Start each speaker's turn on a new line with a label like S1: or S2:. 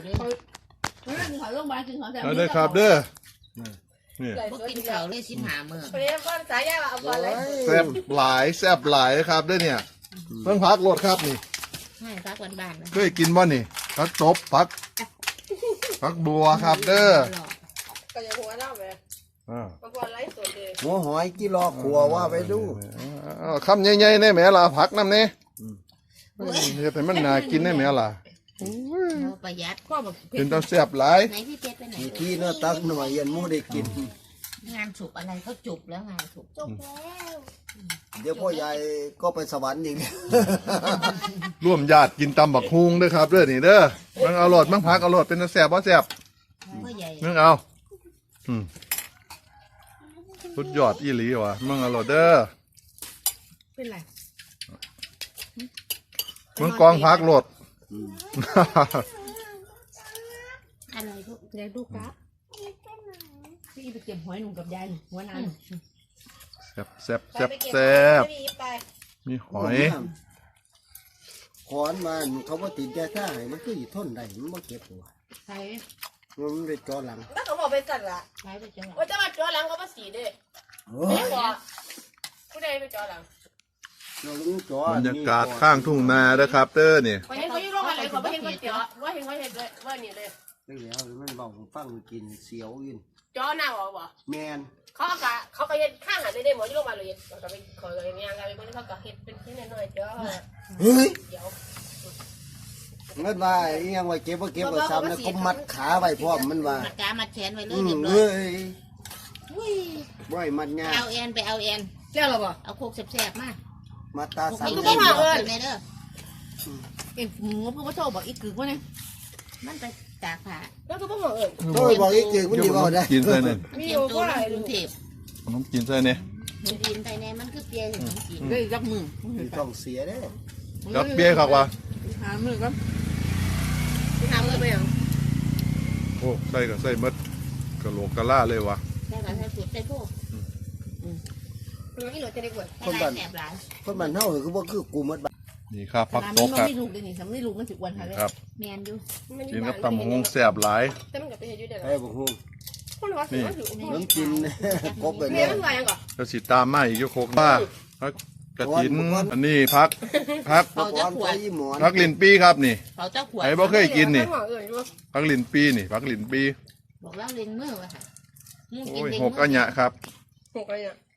S1: เขาลงมากินของแต่
S2: เอาเด้อครับเด้อนี่
S3: พวกกินเขาเลย15 มื้อ
S1: เรียกว่าสายยาเอาก่อนเลย
S2: แซ่บหลนะครับเด้อเนี่ยเพิ่งพักรถครับนี่
S3: ให้พักบ้านๆนะ
S2: เคยกินบ่นี่พักตบพักบัวครับเด้อ
S1: ก็ยังหัวเล่าเลยบางคนไล่สดเลย
S4: หัวหอยกี่รอขัวว่าไปดู
S2: คำใหญ่ๆแน่แม่ล่ะผักน้ำนี่เฮ็ดให้มันน่ากินแน่แม่ล่ะ
S3: เราประหยัด
S1: พ่อบอก
S2: เป็นตาแซ่บหลาย
S3: ไหนพี่เพชรไปไหน
S4: ขี้เนื้อตักหน่อยยันมูได้กิน
S3: งานฉุบอะไรเขาจุบแล้วงานฉุบ
S1: จบแล้ว
S4: เดี๋ยวพ่อใหญ่ก็ไปสวรรค์อีก
S2: ร่วมญาติกินตำบักฮุงเด้อครับเด้อนี่เด้อมันเอารสมันผักเอารสเป็นตาแซ่บบ่แซ่บ
S3: พ่อใหญ่
S2: มึงเอาสุดยอดอีหลีว่ะมึงเอารสเด้อ
S1: เป็นไร
S2: มึงกองผักรส
S3: อะไรลูก
S1: ยายดูกะพี่ไปเก็บหอยหนุ่มกับยายหัวนั้น
S2: แซ่บมีหอย
S4: ขอนมันเขาว่าติดยาท่าให้มันคืออยู่ทนได้มันบ่เก็บหัว
S1: ใช่
S4: มันไปจอหลัง
S1: แล้วเขาบอกเป็นสัตว์ละ
S3: ใช้ไปจังหวะ
S1: ว่าจะมาจ่อหลังก็มาสีเด้
S4: โอ้
S1: ไม่
S4: ย
S1: บอกผู้ใดไปจ่อหลัง
S4: เราลุงจอบ
S2: รรยากาศข้างทุ่งนาเด้อครับเด้อนี่
S1: ไปเห็นเขาอยู่โรงอะไรเขาไม่เห็นเขาจ่อว่าเห็นเขาเห็นเลยว่านี่เลย
S4: ไปแล้วมันบอกฟังกินเสียวยิน
S1: จ่อหน้าบอก
S4: แมน
S1: เขาก็เห็นข้างหันได้หมดที่โรงพยาบาลเลยเขาก็ไปขออย่างเงี้ยกันไปเขาก็เห็นเป็นที่น้อยๆจ่อ
S4: เฮ้ย
S1: เดี๋ยว
S4: เงินว่าอีหยังว่าเก็บว่าเก็บว่าซ้ำแล้วก็มัดขาไว้พร้อมมันว่า
S3: มัดกามัดแขนไว้เลยเรียบร้อย
S4: เฮ้ย
S3: อุ้ย
S4: บ่อยมัดยา
S3: เอาแอนไปเอาแอน
S1: เจ้าหรอบ่
S3: เอาโคกแซ่บๆมา
S4: มัดตา
S3: พวก
S4: ซ้ำ
S3: นี้
S4: เลย
S3: เล่นบอกเลยเด้อ
S1: เอ็งหมูพ่อโชว์บอกอีกกึกว่าเนี่ย
S3: มันไปตากผ้า
S1: แล้วก็พ่อบอกเอิญ
S4: โอ้ยบอกอีกทีมันดีบ่ได้
S2: กินใส่เนี่ย
S3: มันเตรียมตัวลงกรุงเทพ
S2: น้ำกินใส่เนี่ย
S3: มันดินไทยแน่มันคือเปียถึงกิน
S1: ได้ยักมือ
S4: ต้องเสียเด้
S2: กับเบี้ยครับว่ะ
S1: หามือครับทำเลยไปยัง
S2: โอ้ใส่ก็ใส่หมดกะโหลกกะล่าเลยว่ะ
S3: ได้การใช้สูตรใช้พวก
S1: เราที่เราจะได้กวด
S3: ให้ลายแสบหลาย
S4: คนบ้านเฮาคือบ่คือกูหมดบ้าน
S2: นี่ครับผัก
S1: มัน
S2: ตบครับ
S1: ไม่ลูกเลยนี่สำไม่ลูกมันถึงวันค่ะเลย
S2: ครับ
S3: แมนอยู่
S2: กินกับตำบักฮุงแซ่บหลาย
S1: แต่มันกับไปเฮ็ดอยู่เด้อ
S4: ไอ้บ่ฮู้
S1: คนว่าสิว่าถือ
S4: น้ำกินกบไป
S1: เมี
S4: แล้
S1: ยว มันว่ายังก่อน
S2: แล้วสิตามมาอีกยกโคกมาพักกระถินอันนี้พัก
S3: เขาจะขวด
S4: หมอน
S2: พักลินปีครับนี่
S3: เขาจะขวด
S2: ไอ้บ่เคยกินนี่
S1: เอิญอยู่
S2: พักลินปีนี่พักลินปี
S3: บอกแล้วเล็งมือว่ะค่ะ
S2: โอ้ยหกอันยะครับ
S1: หกอะไรเนี่ย